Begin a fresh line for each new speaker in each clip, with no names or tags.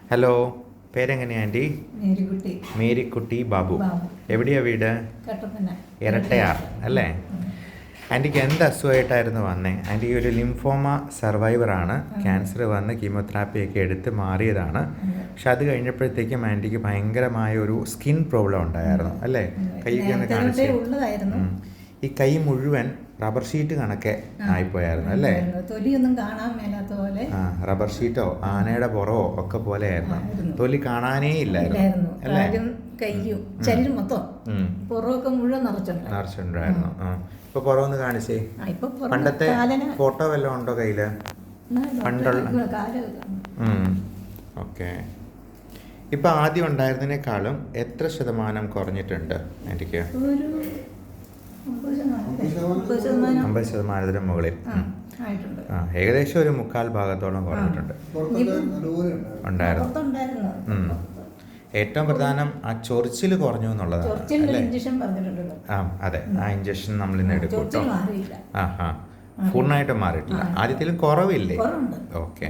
Hello, പേരെങ്ങനെയാ aunty?
Marykutty.
Marykutty Babu.
Babu.
എവിടെയാ വീട്?
കട്ടപ്പന.
ഇരട്ടയാർ അല്ലേ? ആൻറ്റിക്ക് എന്ത് അസുഖമായിട്ടായിരുന്നു വന്നേ? ആൻറ്റി ഒരു ലിംഫോമ സർവൈവറാണ്. ക്യാൻസർ വന്ന് കീമോതെറാപ്പിയൊക്കെ എടുത്ത് മാറിയതാണ്. പക്ഷെ അത് കഴിഞ്ഞപ്പോഴത്തേക്കും ആൻറ്റിക്ക് ഭയങ്കരമായ ഒരു സ്കിൻ പ്രോബ്ലം ഉണ്ടായിരുന്നു അല്ലേ? കൈയൊക്കെ ഒന്ന് കാണിച്ച്. ഈ കൈ മുഴുവൻ റബ്ബർ ഷീറ്റ് കണക്കെ ആയിപ്പോയായിരുന്നു അല്ലേ?
തൊലിയൊന്നും കാണാൻ മേലാത്ത പോലെ.
റബ്ബർ ഷീറ്റോ ആനയുടെ പുറവോ ഒക്കെ പോലെ ആയിരുന്നു. തൊലി കാണാനേ ഇല്ലായിരുന്നു അല്ലേ?
കയ്യും ശരീരം മൊത്തം പുറമൊക്കെ മുഴുവൻ
നിറച്ചിട്ടുണ്ടായിരുന്നു. ഇപ്പൊ പുറമൊന്ന് കാണിച്ചേ. പണ്ടത്തെ ഫോട്ടോ വല്ലതും ഉണ്ടോ കയ്യില്? പണ്ടുള്ള. ഓക്കെ. ഇപ്പൊ ആദ്യം ഉണ്ടായിരുന്നതിനേക്കാളും എത്ര ശതമാനം കുറഞ്ഞിട്ടുണ്ട് എനിക്ക്? 50% മുകളിൽ. ഏകദേശം ഒരു 3/4 ഭാഗത്തോളം കുറഞ്ഞിട്ടുണ്ട് ഉണ്ടായിരുന്നു. ഏറ്റവും പ്രധാനം ആ ചൊറിച്ചിൽ കുറഞ്ഞു എന്നുള്ളതാണ് അല്ലേ? അതെ, ആ ഇഞ്ചക്ഷൻ നമ്മൾ ഇന്ന് എടുക്കും കേട്ടോ. പൂർണ്ണമായിട്ടും മാറിയിട്ടില്ല. ആദ്യത്തിലും കുറവില്ലേ? ഓക്കെ,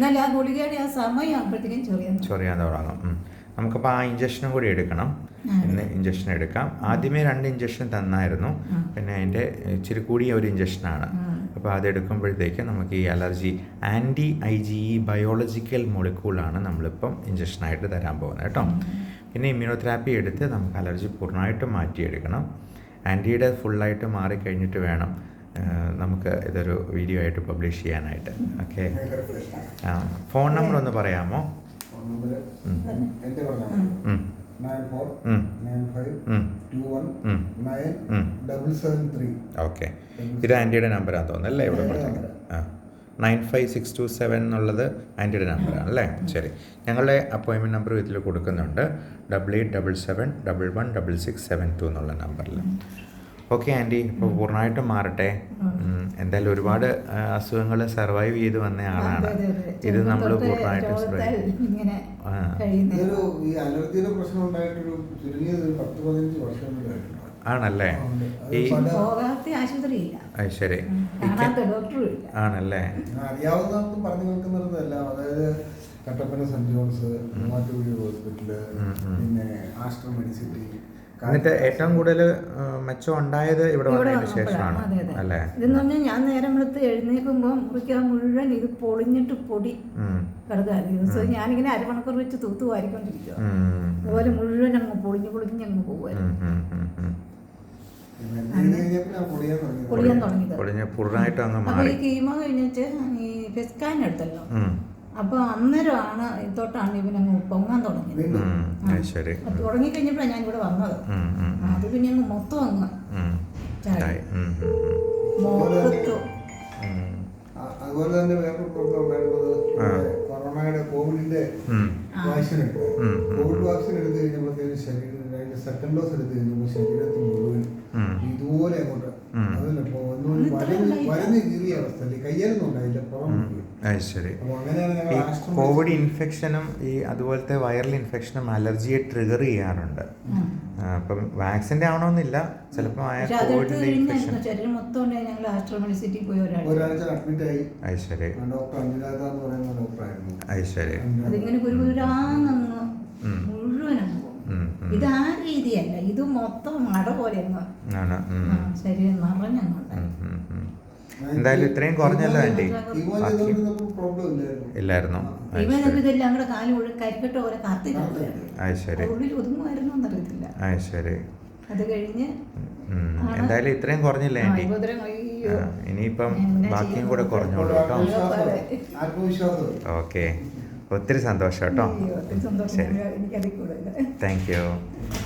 ചൊറിയാൻ തുടങ്ങും. നമുക്കപ്പോൾ ആ ഇഞ്ചക്ഷനും കൂടി എടുക്കണം. ഇന്ന് ഇഞ്ചക്ഷൻ എടുക്കാം. ആദ്യമേ 2 ഇഞ്ചക്ഷൻ തന്നായിരുന്നു. പിന്നെ അതിൻ്റെ ഇച്ചിരി കൂടിയ ഒരു ഇഞ്ചക്ഷനാണ്. അപ്പോൾ അതെടുക്കുമ്പോഴത്തേക്ക് നമുക്ക് ഈ അലർജി IgE ബയോളജിക്കൽ മോളിക്യൂളാണ് നമ്മളിപ്പം ഇഞ്ചക്ഷനായിട്ട് തരാൻ പോകുന്നത് കേട്ടോ. പിന്നെ ഇമ്മ്യൂണോതെറാപ്പി എടുത്ത് നമുക്ക് അലർജി പൂർണ്ണമായിട്ടും മാറ്റിയെടുക്കണം. ആൻറ്റിയുടെ ഫുള്ളായിട്ട് മാറിക്കഴിഞ്ഞിട്ട് വേണം നമുക്ക് ഇതൊരു വീഡിയോ ആയിട്ട് പബ്ലിഷ് ചെയ്യാനായിട്ട്. ഓക്കെ, ഫോൺ നമ്പർ ഒന്ന് പറയാമോ? ഓക്കെ, ഇത് ആൻറ്റിയുടെ നമ്പറാന്ന് തോന്നുന്നു അല്ലേ? ഇവിടെ കൊടുത്തത് 9562 എന്നുള്ളത് ആൻറ്റിയുടെ നമ്പറാണ് അല്ലേ? ശരി, ഞങ്ങളുടെ അപ്പോയിൻമെൻറ്റ് നമ്പർ ഇതിൽ കൊടുക്കുന്നുണ്ട്. 8877116672 എന്നുള്ള നമ്പറിൽ. ഓക്കെ ആൻറ്റി, ഇപ്പോൾ പൂർണ്ണമായിട്ടും മാറട്ടെ. എന്തായാലും ഒരുപാട് അസുഖങ്ങൾ സർവൈവ് ചെയ്ത് വന്ന ആളാണ്. ഇത് നമ്മൾ പൂർണ്ണമായിട്ടും ആണല്ലേ? ഈ ശരി ആണല്ലേ?
Kattappana saint John's, Mattukuzhi hospital, പിന്നെ ആശ്രം മെഡിസിറ്റി.
എന്നിട്ട് ഏറ്റവും കൂടുതൽ മെച്ചം ഉണ്ടായത് ഇവിടെ വന്നതിന് ശേഷമാണ് അല്ലേ?
ഇതെന്ന് പറഞ്ഞാൽ ഞാൻ നേരം എടുത്ത് എഴുന്നേൽക്കുമ്പോൾ മുറിക്കാൻ മുഴുവൻ ഇത് പൊളിഞ്ഞിട്ട് പൊടി കിടക്കാറ്. ഞാനിങ്ങനെ അരമണിക്കൂർ വെച്ച് തൂത്ത് വാരിക്കൊണ്ടിരിക്കുക. അതുപോലെ മുഴുവൻ അങ്ങ് പൊളിഞ്ഞ് അങ്ങ് പോകുമായിരുന്നു. പൊളിയാൻ തുടങ്ങിയത്. അപ്പൊ ഈ കീമോ കഴിഞ്ഞിട്ട് ഈ ഫെസ്കാൻ എടുത്തല്ലോ. അപ്പൊ അന്നേരമാണ് തൊട്ടാണ് ഇവനങ്ങ് പൊങ്ങാൻ തുടങ്ങിയത്. തുടങ്ങിക്കഴിഞ്ഞപ്പോഴാണ് ഞാൻ ഇവിടെ വന്നത്. അത് പിന്നെ അങ്ങ് മൊത്തം അങ്ങ്
അതുപോലെ തന്നെ വേറൊരു പ്രോബ്ലം ഉണ്ടായിരുന്നത് കൊറോണയുടെ കോവിഡിന്റെ വാക്സിൻ എടുത്തു. കോവിഡ് വാക്സിൻ എടുത്തു കഴിഞ്ഞപ്പോഴത്തേക്കും ശരീരം സെക്കൻഡ് ഡോസ് എടുത്തു കഴിഞ്ഞപ്പോൾ ശരീരത്തിൽ മുഴുവൻ ഇതുപോലെ അങ്ങോട്ട് വരഞ്ഞ് കീറിയ അവസ്ഥ. കയ്യാലൊന്നും ഉണ്ടായില്ല, പുറം.
ശരി, ഈ കോവിഡ് ഇൻഫെക്ഷനും ഈ അതുപോലത്തെ വൈറൽ ഇൻഫെക്ഷനും അലർജിയെ ട്രിഗർ ചെയ്യാറുണ്ട്. അപ്പം വാക്സിൻ്റെ ആവണമെന്നില്ല, ചിലപ്പോൾ കോവിഡിന്റെ ഇൻഫെക്ഷൻ.
ഒരാഴ്ച അഡ്മിറ്റ് ആയി.
ശരി,
ഡോക്ടർ അഞ്ജുലാത എന്ന് പറയുന്ന ഡോക്ടറായിരുന്നു.
ശരി,
ഇത് ആ രീതിയല്ല, ഇത് മൊത്തം മഴ പോലെ ശരീരം നിറഞ്ഞുണ്ട്.
എന്തായാലും ഇത്രയും കുറഞ്ഞല്ലോ ആൻറ്റി? ഇല്ലായിരുന്നു.
ഇതെല്ലാം കൂടെ കാല് മുഴുവൻ കരിക്കട്ട പോലെ
ശരി,
ഒതുങ്ങുമായിരുന്നു എന്നറിയത്തില്ല.
ശരി,
അത് കഴിഞ്ഞ്
എന്തായാലും ഇത്രയും കുറഞ്ഞില്ലേ ആൻറ്റി? ഇനിയിപ്പം ബാക്കിയും കൂടെ കുറഞ്ഞോളൂ കേട്ടോ. ഓക്കെ, ഒത്തിരി സന്തോഷം കേട്ടോ.
ശരി,
താങ്ക് യു.